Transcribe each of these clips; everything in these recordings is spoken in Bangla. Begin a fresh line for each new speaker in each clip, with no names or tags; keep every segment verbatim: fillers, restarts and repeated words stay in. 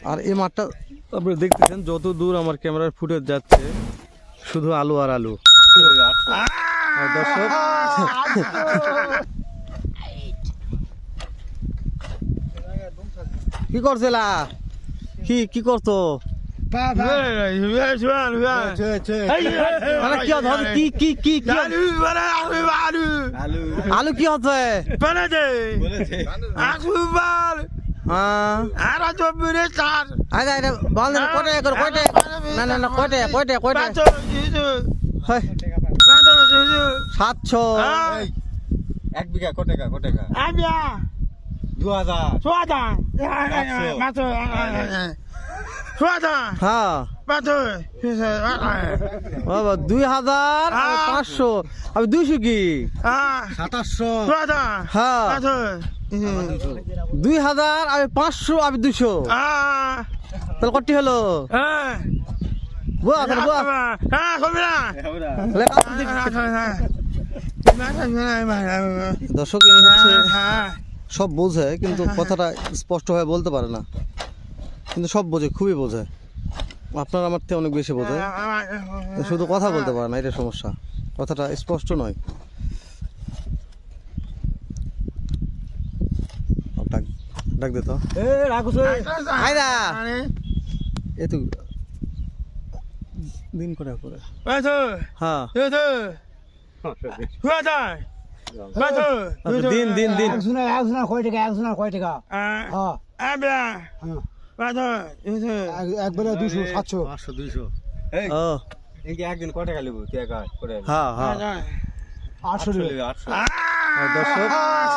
আর এই মাঠটা আপনারা দেখতেছেন যত দূর আমার ক্যামেরার ফুটেজ যাচ্ছে শুধু আলু আর আলু। আর দর্শক কি করছিলা? কি কি করতো? মানে কি হচ্ছে? কি কি কি কি আলু কি হচ্ছে? সাতশো
এক বিঘা কত টাকা কত টাকা দু হাজার
হ্যাঁ বাবা দুই হাজার পাঁচশো আমি দুইশো কি
সাতাশশো
হ্যাঁ দুই হাজার আমি পাঁচশো আমি দুশো তাহলে কটি হলো বুয়া তাহলে বুয়া দর্শক এই হচ্ছে সব বোঝে কিন্তু কথাটা স্পষ্ট হয়ে বলতে পারে না, কিন্তু সব বোঝে, খুবই বোঝে। আপনার আমার থেকে অনেক বেশি বোঝে, শুধু কথা বলতে পারে না, এটা সমস্যা, কথাটা স্পষ্ট নয়। ডাক ডাক দে তো এ তো দিন করে করে হ্যাঁ দিন দিন দিন
একজনের একজনের কয় টাকা একজনের কয় টাকা একবারে দুশো সাতশো
পাঁচশো দুইশো
ও
একদিন কত টাকা লিখবো তুই একা করে
হ্যাঁ হ্যাঁ
আটশো
লিখবি আটশো
দর্শক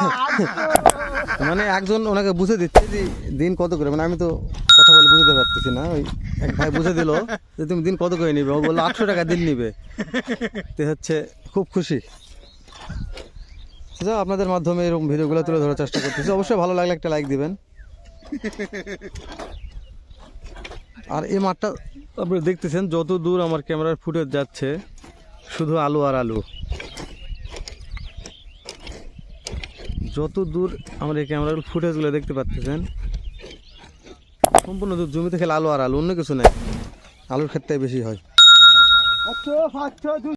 মানে একজন ওনাকে বুঝে দিচ্ছে যে দিন কত করে, মানে আমি তো কথা বলে বুঝতে পারতেছি না, ওই এক ভাই বুঝে দিল যে তুমি দিন কত করে নিবে, ও বললো আটশো টাকা দিন নিবে, তো হচ্ছে খুব খুশি। আচ্ছা আপনাদের মাধ্যমে এরকম ভিডিওগুলো তুলে ধরার চেষ্টা করতেছি, অবশ্যই ভালো লাগলে একটা লাইক দিবেন। আর এই মাঠটা আপনারা দেখতেছেন যত দূর আমার ক্যামেরার ফুটেজ যাচ্ছে শুধু আলু আর আলু, যত দূর আমার এই ক্যামেরার ফুটেজগুলো দেখতে পাচ্ছেন সম্পূর্ণ জমিতে খেলে আলু আর আলু, অন্য কিছু নেই, আলুর ক্ষেত্রে বেশি হয়।